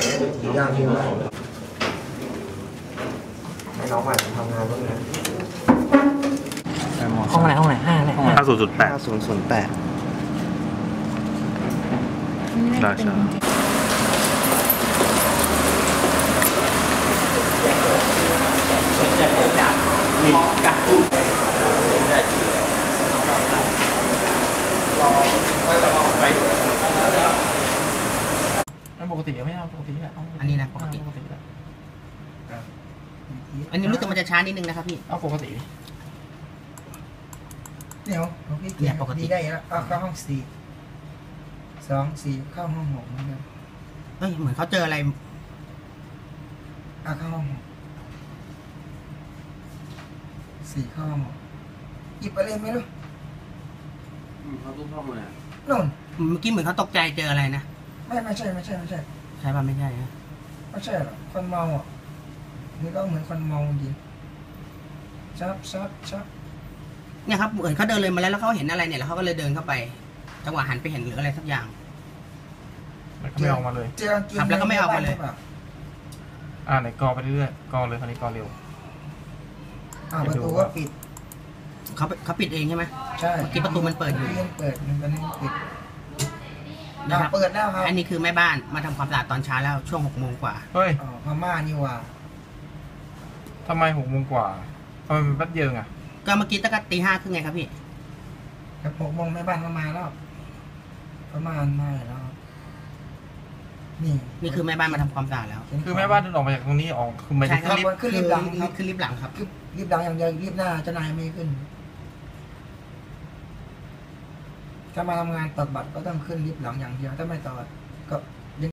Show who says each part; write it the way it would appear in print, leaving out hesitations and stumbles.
Speaker 1: อย่างเดียวให้น้องใหม่ทำงานบ้างนะ
Speaker 2: ห้องไหน5เลย
Speaker 3: 50.8
Speaker 1: 5008
Speaker 3: ได้ใช่
Speaker 2: ปกติไม่เอาปกติแหละ
Speaker 4: อันนี้นะปกติอันนี้รู้สึกมันจะช้านิดนึงนะครับพี่
Speaker 2: เอาปกติ
Speaker 1: เดี๋ยวพี่เกียร์ปกติได้แล้วเข้าห้อง4 เข้าห้อง6เหมือนกัน
Speaker 4: เฮ้ยเหมือนเขาเจออะไร
Speaker 1: เข้าห้อง4เข้าห้อง6หยิบอะไรไม่รู้
Speaker 3: เขาตุ้มห้องเลย
Speaker 1: นู่น
Speaker 4: เมื่อกี้เหมือนเขาตกใจเจออะไรนะ
Speaker 1: ไม่ใช่
Speaker 4: ใช่ป่ะไม่ใช่นะ
Speaker 1: ไม่ใช่หรอกคนเมาอ่ะนี่ก็เหมือนคนเมาจริงชับ
Speaker 4: เนี่ยครับเหมือนเขาเดินเลยมาแล้วเขาเห็นอะไรเนี่ยแล้วเขาก็เลยเดินเข้าไปจังหวะหันไปเห็นหรืออะไรสักอย่าง
Speaker 2: ไม่ออกมาเลย
Speaker 4: ครับแล้วก็ไม่ออกมาเลย
Speaker 2: ไหนกอไปเรื่อยกอเลยคราวนี้กอเร็ว
Speaker 1: ประตูก็ปิด
Speaker 4: เขาปิดเองใช่ไหม
Speaker 1: ใช่
Speaker 4: ที่ประตูมันเปิดอยู่
Speaker 1: เปิดมันปิด
Speaker 4: นะครับ
Speaker 1: เปิดแล้วครับ
Speaker 4: อันนี้คือแม่บ้านมาทำความสะอาดตอนเช้าแล้วช่วง6 โมงกว่า
Speaker 2: เฮ้ย
Speaker 1: พม่านี่ว่า
Speaker 2: ทำไม6 โมงกว่าทำไมมันแป๊บเดียวอ่ะ
Speaker 4: ก็เมื่อกี้ตั้งแต่ตี 5 ครึ่งไงครับพี่
Speaker 1: 6 โมงแม่บ้านมาแล้วประมาณมาแล้ว
Speaker 4: นี่คือแม่บ้านมาทำความสะอาดแล้ว
Speaker 2: คือแม่บ้านเดินออกมาจากตรงนี้ออกคือไม่ได้
Speaker 1: ขึ้นลิฟต์หลังครับ
Speaker 4: ขึ้นลิฟต์หลังครับ
Speaker 1: ลิฟต์หลังอย่างเดียวลิฟต์หน้าเจ้านายไม่ขึ้นถ้ามาทำงานตอกบัตรก็ต้องขึ้นลิฟต์หลังอย่างเดียวถ้าไม่ตอกก็